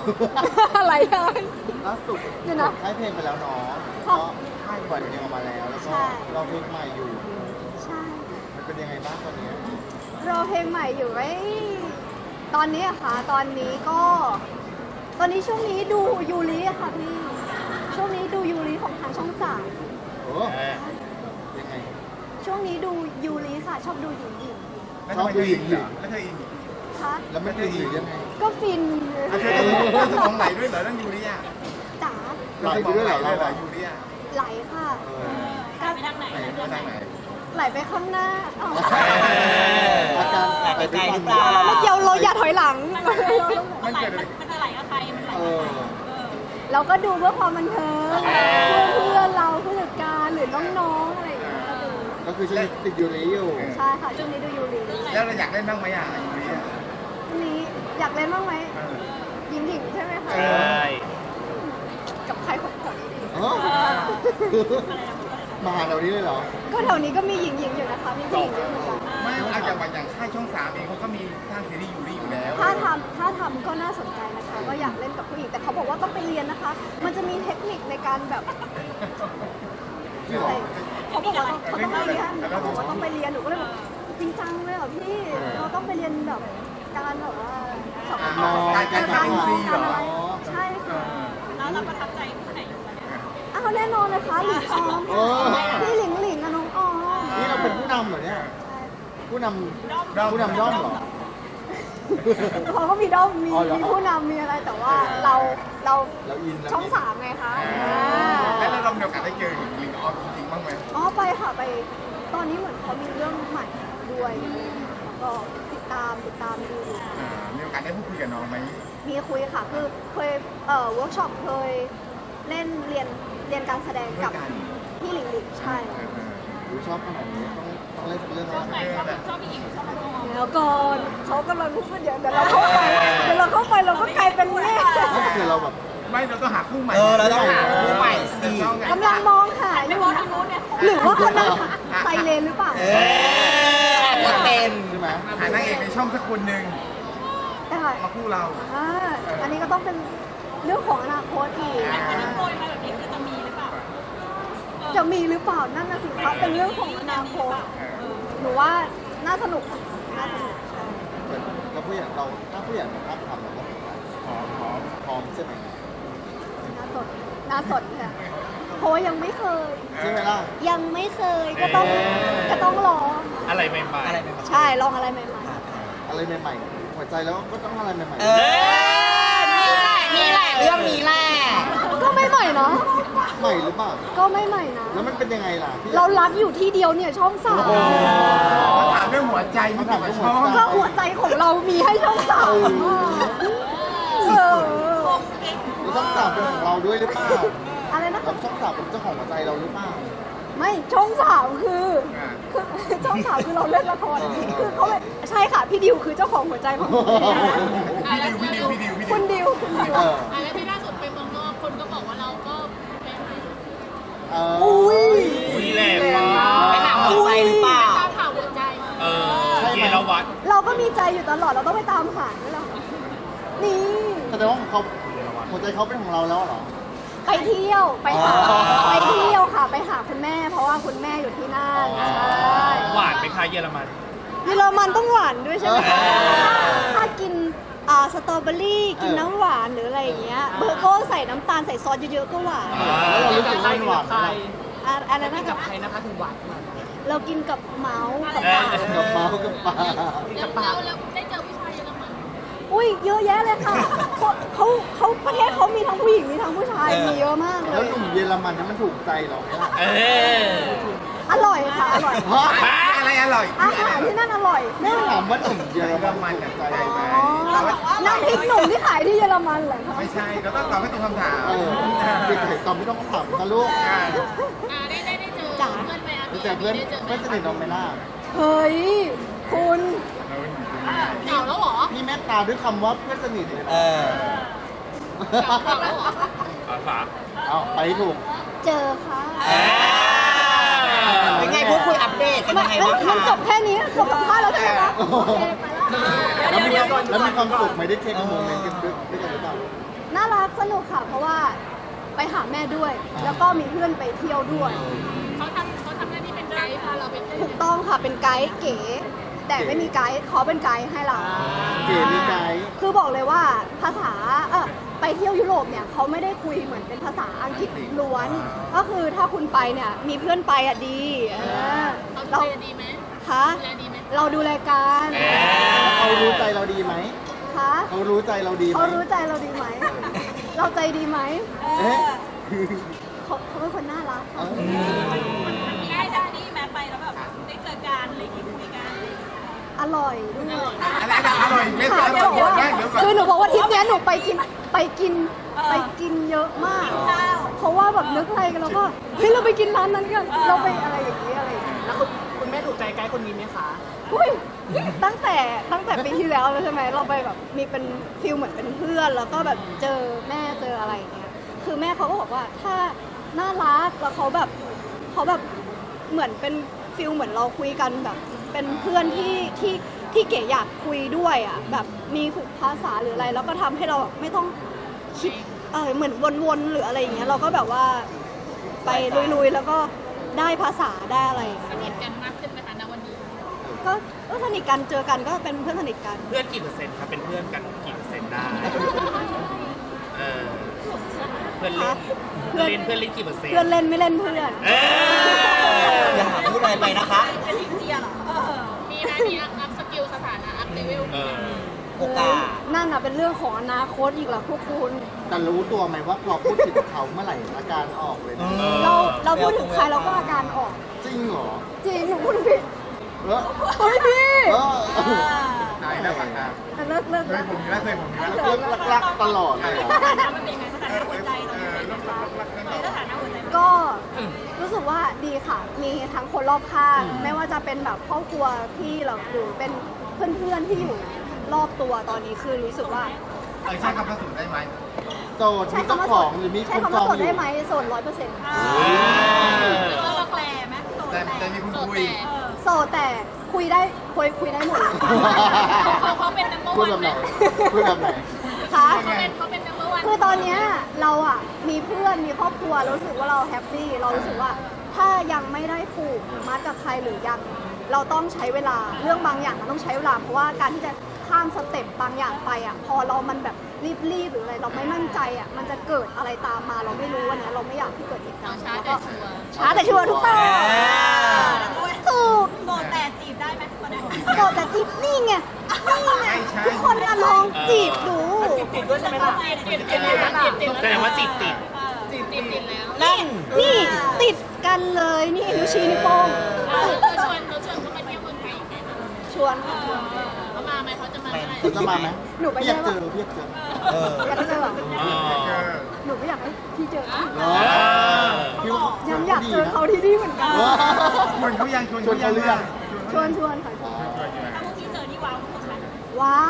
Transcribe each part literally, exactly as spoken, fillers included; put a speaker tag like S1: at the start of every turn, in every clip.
S1: อะไรกัน
S2: ล่าสุด
S1: เดี๋ยวนะ
S2: ค่ายเพลงไปแล้วเนาะก็ค่ายปล่อยเพลงออกมาแล้วแล้วก็
S1: ใช่
S2: เราเพลงใหม่อยู่
S1: ใช่
S2: มันเป็นยังไงบ้างตอนนี้
S1: รอเพลงใหม่อยู่ไว้ตอนนี้อะค่ะ ตอนนี้ก็ ตอนนี้ช่วงนี้ดูยูริอะค่ะพี่ ช่วงนี้ดูยูริของทางช่องสาม
S2: โอ้ยังไง
S1: ช่วงนี้ดูยูริค่ะ ชอบดูหญิงหญิง
S2: ชอบดูหญิงหญิง
S3: แล้วเธออิน
S1: คะ
S2: แล้วไม่คือหญิงยังไง
S1: ก็ฟิน
S3: เธอเธอสมองไหลด้วยเหรอเรื่องยูริอ่ะ
S1: จ๋า
S2: ไหลไปด้วยเหรอเรา
S3: เหรอ
S2: อะ
S3: ยูริอ่ะ
S1: ไหลค่ะ
S3: ไหลไปทางไหน
S1: ไหลไปข้างหน้าอ้าว
S2: อาการไหลไปฟัน
S1: เราเดี๋ยวเราอย่าถอยหลัง
S3: มันเกิดอะไร
S4: มันจะไหลกับใครมันไหล
S2: เออ
S1: เราก็ดูเพื่อความบันเทิงเพื่อเพื่อนเราผู้จัดการหรือน้องๆอะไรอย่างเงี้ยก็ดู
S2: ก็คือช่วงนี้ติดยูริอยู่
S1: ใช่ค่ะช่วงนี้ดูยูริ
S3: แล้วเราอยากเล่นบ้างไหมอ่ะยูริอ่ะ
S1: ช่วงนี้อยากเล่นบ้างไหมหญิงหญิงใช่ไหมคะ
S3: ใช่
S1: กับใครคนแถวนี้ดี
S2: เออมาหาเรานี้เลยเหรอ
S1: ก็แถวนี้ก็มีหญิงหญิงอยู่นะคะมีผู้หญิงเยอะเหมือนกัน
S3: ไม่เอาอย่างว่าอย่างค่ายช่องสามเองเขาก็มีทางซีรีส์ยูริอยู่แล้ว
S1: ถ้าทำถ้าทำก็น่าสนใจนะคะก็อยากเล่นกับผู้หญิงแต่เขาบอกว่าต้องไปเรียนนะคะ มันจะมีเทคนิคในการแบบ
S2: จริงเหรอ
S1: เขาบอกว่าเขาต้องไปเรียนเขาบอกว่าต้องไปเรียนหนูก็เลยแบบจริงจังเลยเหรอพี่เราต้องไปเรียนแบบการแบบว่าสอบ
S2: นอนการ
S1: การ
S2: ทำงาน
S1: การอะไรใช่ค่ะ
S4: แล้วเราประทับใจผู้ไหนอยู่ตอนนี้
S1: อ้าวแน่นอนเลยค่ะหลิงออมพี่หลิงหลิงกับน้องออม
S2: นี่เราเป็นผู้นำเหรอเนี่ย ผู้นำผู้นำย่อมเหรอ
S1: เขาก็มีด้อมมี
S2: อ๋อเหรอ
S1: มีผู้นำมีอะไรแต่ว่าเราเรา
S2: เราอินแล้ว
S1: ช่องสามไงคะ
S3: แล้วเรามีโอกาสได้เจอลิงออฟจริงๆบ้างไหม
S1: อ๋อไปค่ะไปตอนนี้เหมือนเขามีเรื่องใหม่ด้วยแล้วก็ติดตามติดตามดูอยู่
S3: มีโอกาสได้พูดคุยกับน้องไหม
S1: มีคุยค่ะ คือเคยเอ่อเวิร์กช็อปเคยเล่นเรียนเรียนการแสดงกับพี่หลิงหลิงใช่
S2: ดูชอบขนาดนี้ต้องต้องเล่นเรื่อง
S4: ชอบ
S2: อะไร
S4: ไหนชอบชอบผู้หญิงชอบน้อง
S1: แล้วก่อนเขากำลังพูดเดี๋ยวเดี๋ยวเราเข้าไปเดี๋ยวเราเข้าไปเราก็กลายเป็นแม่
S2: ก็คือเราแบบ
S3: ไม่เราต้องหาคู่ใหม่
S5: เออเราต้องหาคู่ใหม่สิ
S1: กำลังมองหาอยู่นะหรือว่าเขานั่งไซเลนหรือเปล่า
S5: เอออาจจะเป็น
S2: ใช่ไหม
S3: หานางเอกในช่องสักคนหนึ่ง
S1: ได้
S3: มาคู่เรา
S1: อ่าอันนี้ก็ต้องเป็นเรื่องของอนาคตอีก
S4: อันนี้โปรยมาแบบนี้คือจะมีหรือเปล่า
S1: จะมีหรือเปล่านั่นน่ะสิคะเป็นเรื่องของอนาคตหนูว่าน่าสนุกน่าสนุกใช่
S2: เหมือนเราผู้ใหญ่เราถ้าผู้ใหญ่มาทับทำเราก็พร้อมพร้อมพร้อมใช่ไหม
S1: น่าสนน่าสนค่ะเพราะว่ายังไม่เคย
S2: ใช่ไหมล่ะ
S1: ยังไม่เคยก็ต้องก็ต้องลอง
S3: อะไรใหม่
S5: อะไรแบบ
S1: ใช่ลองอะไรใหม่
S2: อะไรใหม่ๆหัวใจแล้วก็ต้องอะไรใหม่
S5: เออนี่แหละนี่แหละเรื่องนี้แหละ
S1: ๆก็ไม่ใหม่เนาะ
S2: ๆใหม่หรือเปล่า
S1: ก็ไม่ใหม่นะ
S2: แล้วมันเป็นยังไงล่ะพี่
S1: เรารักอยู่ที่เดียวเนี่ยช่องสาม
S3: ๆมาถามเรื่องหัวใจไม่ถามว่าช่อง
S1: ก็หัวใจของเรามีให้ช่องสามเออ
S2: เราต้องสาบเป็นของเราด้วยหรือเปล่า
S1: อะไรนะ
S2: เราต้องสาบเป็นเจ้าของหัวใจเราหรือเปล่า
S1: ไม่ช่องสามคือคือช่องสามคือเราเล่นละครคือเขาเลยใช่ค่ะพี่ดิวคือเจ้าของหัวใจของหนู
S3: พี่ดิวพี่ดิวพี่ดิวพี่
S1: คุ
S3: ดิ
S1: ณ
S3: ว
S1: ดิวคุณดิว
S2: เออ
S4: อ่ะแล้วที่ล่าสุดไปเมืองนอกคนก็บอกว่าเราก็เป็น
S2: เออ
S1: อุ้ย
S6: มีแรงมาก
S5: ไปหาหัวใจหรือเปล่า
S4: ตามข่าวหัวใจ
S6: เออเยรวัตร
S1: เราก็มีใจอยู่ตลอดเราต้องไปตามหาด้วยเหรอนี่
S2: แสดงว่าเขาหัวใจเขาเป็นของเราแล้วเหรอ
S1: ไปเที่ยวไปหา
S2: อ๋อ
S1: ไปเที่ยวค่ะ ไปหาคุณแม่ เพราะว่าคุณแม่อยู่ที่นั่นใช่
S6: หวานไหมคะเยอรมัน
S1: เยอรมันต้องหวานด้วยใช่ไหม
S2: เออ
S1: ถ้ากินอ่าสตรอเบอรี่กินน้ำหวานหรืออะไรอย่างเงี้ยเบอร์โก้ใส่น้ำตาลใส่ซอสเยอะๆก็หวาน
S2: แล้วเรารู้สึกว่ามันหวานไหมล่ะ
S1: อะอะไรนะกับใครนะคะถึงหวานเรากินกับเมาส์กับปลา
S2: กับเมาส์กับปลา
S4: แล้วเราแล้วได้เจอผู้ชายเยอรมัน
S1: อุ้ยเยอะแยะเลยค่ะเขาเขาเขาประเทศเขามีทั้งผู้หญิงมีทั้งผู้ชายมีเยอะมากเล
S2: แล้ว
S1: ย
S2: หนุ่มเยอรมันนั้นมันถูกใจเราไหมล่ะ
S6: เออ
S1: อร่อยค่ะอร่อย
S2: เพราะ
S3: อะไรอร่อย
S1: อาหารที่นั่นอร่อย
S2: นี่
S1: แน่
S2: ถามว่าหนุ่มเยอร
S3: เยอร
S2: มั
S3: มัน น
S2: ถู
S3: อ่ะ
S2: กใจ
S3: ใจไหม
S1: อ๋อน้ำพริกหนุ่มที่ขายที่เยอรมันเหรอคะ
S3: ไม่ใช่เราต้องตอบให้ตรงคำถาม
S2: เออเด็กไข่ตอบไม่ต้องถามนะลูก
S4: อ่าได้ได้ได้เจอเพื่อนไหมอ่ะ
S2: แต่เพื่อนเพื่อนสนิทน้องไหมล่ะ
S1: เฮ้ยคุณ
S4: เก่าแล้วเหรอ
S2: พี่แม่ตาด้วยคำว่าเพื่อนสนิทเลย
S5: เอ
S2: นะ
S5: อ
S4: เก่าแล้วเหรอ
S6: อาสา
S2: เอาไปให้ถูก
S1: เจอค่ะ
S5: เป็นไงพูดคุยอัปเดตกัน
S1: ไม่
S5: ยังไง
S1: ไม่
S5: บ้าง
S1: มัน
S5: คะ
S1: จบแค่นี้จบสัมภาษณ์แล้วใช่ไหมคะโอเคไปแล้ว
S2: แล้วมีแล้วมีความสุขไหมได้เทคโมเมนต์กันด้วยด้วยกันหรือเปล่า
S1: น่ารักสนุกค่ะ เพราะว่าไปหาแม่ด้วย แล้วก็มีเพื่อนไปเที่ยวด้วย
S4: เขาทำเขาทำหน้าที่เป็นไกด์พาเราไปเที่ยว
S1: ถูกต้องค่ะเป็นไกด์เก๋ แต่ไม่มีไกด์เขาเป็นไกด์ให้เรา
S2: เก๋มีไกด์
S1: คือบอกเลยว่าภาษาเออไปเที่ยวยุโรปเนี่ยเขาไม่ได้คุยเหมือนเป็นภาษาอังกฤษล้วน ก็คือถ้าคุณไปเนี่ยมีเพื่อนไปอ่ะดีเออ
S4: เขาดู
S1: เรา
S4: แลดีไหม
S1: คะ
S4: ดูแลดีไหม
S1: เราดูแลกัน
S2: เขารู้ใจเราดีไหม
S1: คะ
S2: เขารู้ใจเราดีไหม
S1: เขารู้ใจเราดีไหม เราใจดีไหม
S2: เอ๊ะ
S1: เขาเขาเป็นคนน่ารัก
S2: เอ้า
S7: ได้ได้นี่แม้ไปแล้วแบบได้เจอกันอะไรอย่างงี้คุยกัน
S1: อร่อยด้วย
S3: อะไรนะอร่อยไม่
S1: ค่ะ
S3: อ
S1: จะ
S3: ร่อย
S1: บอกว่า
S3: แม่เดี๋ยวก่อน
S1: คือหนูบอกว่าทริปเนี้ยหนูไปกินไปกินไปกินเยอะมาก เพราะว่าแบบนึกอะไรกันแล้วก็เฮ้ยเราไปกินร้านนั้นกัน เราไปอะไรอย่างนี้อะไรอย่างนี้
S5: แล้วคุณคุณแม่ถูกใจไกด์คนนี้ไหมคะ
S1: อุ้ยตั้งแต่ตั้งแต่ปีที่แล้วเลยใช่ไหมเราไปแบบมีเป็นฟิลเหมือนเป็นเพื่อน แล้วก็แบบเจอแม่เจออะไรอย่างเงี้ยคือแม่เขาก็บอกว่าถ้าน่ารักแล้วเขาแบบเขาแบบเหมือนเป็นฟิลเหมือนเราคุยกันแบบเป็นเพื่อนที่ที่ที่เก๋อยากคุยด้วยอ่ะแบบมีฝึกภาษาหรืออะไรแล้วก็ทำให้เราแบบไม่ต้องคิดเออเหมือนวนๆหรืออะไรอย่างเงี้ยเราก็แบบว่าไปลุยๆแล้วก็ได้ภาษาได้อะไรอย่าง
S4: ส
S1: เงี้ย
S4: นิทกันมากขึ้นไหมคะณวันนี้
S1: ก็ก็สนิทกันเจอกันก็เป็นเพื่อนสนิทกัน
S6: เพื่อนกี่เปอร์เซ็นต์ครับเป็นเพื่อนกันกี่เปอร์เซ็นต์ได้เออเพื่อนเล่นเพื่อนเล่นเพื่อนเล่นกี่เปอร์เซ็นต์
S1: เพื่อนเล่นไม่เล่นเพื่อน
S6: เออ
S5: อย่าหาพูดอะไรไปนะคะ
S7: เป็นลิเจียเหรอเออ
S4: มีไหมมีอัพอัพสกิลสถานะอัพเลเวล
S6: เออ
S5: โอกาส
S1: นั่นอ่ะเป็นเรื่องของอนาคตอีกเหรอพวกคุณ
S2: แต่รู้ตัวไหมว่าพอพูดถึงเขาเมื่อไหร่อาการออกเลยนะ
S6: เออ
S1: เราเราพูดถึงใครเราก็อาการออก
S2: จริงเหรอ
S1: จริงหนูพูดถึงพี่
S2: เออ
S1: เฮ้ยพี่
S2: เออ
S3: ตายแล้วปากกา
S1: แต่เลิกเลิก
S3: เคยผมอยู่แล้วเคยผมอยู่แล้ว
S2: เลิกรักๆตลอดเลยเหรอ
S7: สถานะมันเป็นยังไงสถานะหัวใจเรา
S3: เออ
S7: เป็น
S3: รั
S7: ยัง
S3: ก
S7: ไง
S3: รักรักกันต่อ
S7: สถานะหัวใจมัน
S1: ก็รู้สึกว่าดีค่ะ มีทั้งคนรอบข้าง ไม่ว่าจะเป็นแบบครอบครัวพี่หรือหรือเป็นเพื่อนๆที่อยู่รอบตัวตอนนี้คือรู้สึกว่า
S3: เออใช้คำว่าสูตรได้ไหม
S2: โสดมีเจ้าของหรือมี
S1: ใช้
S2: คุณ
S1: คำ
S2: จ
S1: ว่า
S2: อง
S1: โสด
S2: อยู่
S1: ได้ไหมโสดร้อยเปอร์เซ็นต์
S7: เราเราแปลไหมโสด
S3: แต่
S7: แต่
S3: แต่มีคุณ
S4: โสด
S3: คุย
S4: แต่
S7: เออ
S1: โสดแต่คุยได้คุยคุยได้หมดเลย
S4: เขาเขาเป็น number
S2: พูด
S4: one
S2: แบบ
S4: ไห
S2: ไห
S4: ม
S2: นพูดแบบไหน
S1: ค่ะ
S4: เขาเป็นเขาเป็น number one
S1: คือตอนเนี้ยเราอ่ะมีเพื่อนมีครอบครัวรู้สึกว่าเราแฮปปี้เรารู้สึกว่าถ้ายังไม่ได้ผูกมัดกับใครหรือยังเราต้องใช้เวลาเรื่องบางอย่างมันต้องใช้เวลาเพราะว่าการที่จะข้ามสเต็ปบางอย่างไปอ่ะพอเรามันแบบรีบๆหรืออะไรเราไม่มั่นใจอ่ะมันจะเกิดอะไรตามมาเราไม่รู้อันเนี้ยเราไม่อยากให้เกิดเหตุการณ์
S4: ช้า
S1: แล้ว
S4: แต่
S1: ก็
S4: ชัวร์
S1: ช้าแต่ชัวร์ทุกต้องถูก
S7: โสดแต่จีบได้ไหมตอนนี้
S1: โสดแต่จีบนี่ไงนี่ไง
S3: ไม่ใช่
S1: ทุกคนอะลองจีบดู
S5: ติดด้วยใช่ไหมล่ะ
S4: ติดติดแล้วติดติด
S6: แสดงว่าจิตติด
S4: ติดติดติดแล้ว
S5: นั่น
S1: นี่ติดกันเลยนี่นิ้วชี้นิ้วโป้ง
S4: เขาชวนเขาชวนเขามาเที่ยวเมืองไทยอีกไหมคะ
S1: ชวนค่ะชวน
S4: เขามาไหมเขาจะมาเมื่อไหร่
S2: เขาจะมาไหม
S1: หนูไป
S2: พี่อยาก
S1: ได้
S2: เจ
S1: ปะ
S2: อพี่อยากเจอ
S5: เออ
S1: อยากเจอเหรอ
S6: อ๋อ
S3: เออ
S1: หนูก็อยากให้พี่เจอ
S2: เหรอ
S6: เออ
S2: พี่ว่า
S1: ยังอยากเจอเขาที่นี่เหมือนกัน
S2: เออ
S3: ชวนเขายังชวน
S2: ชวนเขาหรือยัง
S1: ชวนชวนค่ะ
S2: อ๋อ
S7: ถ้าพวกที่เจอนี่ว้าวทุกคนไหม
S1: ว้าว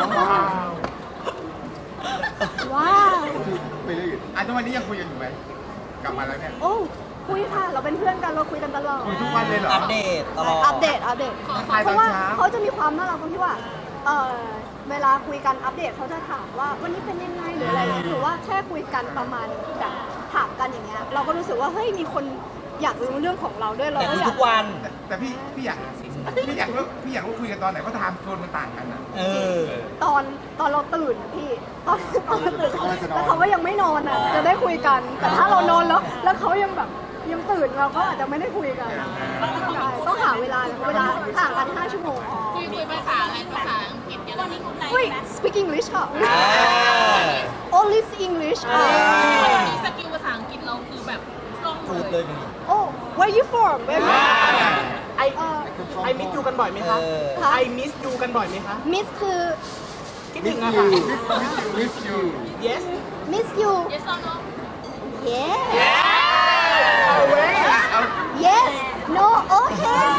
S1: ว้าว
S2: ไปเรื่อย
S3: อ่ะทุกวันนี้ยังคุยกันอยู่ไหมกลับมาแล้วเนี่ย
S1: โอ้คุยค่ะ เราเป็นเพื่อนกันเราคุยกันตลอด
S3: คุยทุกวันเลยเหรอ
S5: อัปเดตตลอด
S1: อัปเดตอัปเดต
S3: ถ่าย
S1: เพ
S3: ตอน
S1: ราะว่า
S3: เช้า
S1: เขาจะมีความน่ารักตรงที่ว่าเออเวลาคุยกันอัปเดตเขาจะถามว่าวันนี้เป็นยังไงหรืออะไรหรือว่าแค่คุยกันประมาณแบบถามกันอย่างเงี้ยเราก็รู้สึกว่าเฮ้ยมีคนอยากรู้เรื่องของเราด้วยเรา
S5: แต่
S1: ก็
S5: คือ
S1: อยา
S5: ทุ
S1: ก
S5: กวัน
S3: แต่แต่พี่พี่อยากพี่อยากรู้พี่อยากรู้คุยกันตอนไหนเพราะไทม์โซนมันต่างกันนะ
S5: เออ
S1: ตอนตอนเราตื่นอะพี่ตอนตอนเราตื่นแล้วเขาก็ยังไม่นอนอ่ะจะได้คุยกัน แต่ถ้าเรานอนแล้ว แล้วเขายังแบบยังตื่นเราก็อาจจะไม่ได้คุยกันใช่ต้องหาเวลาเวลาห่างกันห้าชั่วโมง
S4: คุยคุยภาษาอะไรภาษาอังกฤษเยอรมัน
S1: อุ้ย speak English ค่ะ
S5: อ่า
S1: only English อ่ะ
S4: วันนี้สกิลภาษาอังกฤษเราคือแบบคล่อง
S5: พูด
S4: เล
S5: เลย ยนี่
S1: oh where you from where you
S8: ไอ
S1: เอ่อ
S8: ไอมิสยูกันบ่อยไหมคะ
S5: เออ
S1: คะ
S8: ไอมิสยูกันบ่อยไหมคะ
S1: miss คือ
S8: คิด
S2: ๆ
S8: ถึ
S2: miss
S8: งอะ
S2: you
S8: ค่ะ
S2: miss you
S8: yes
S1: miss you
S4: yes or no
S1: yes
S8: เอาเว้ย
S1: yes no okay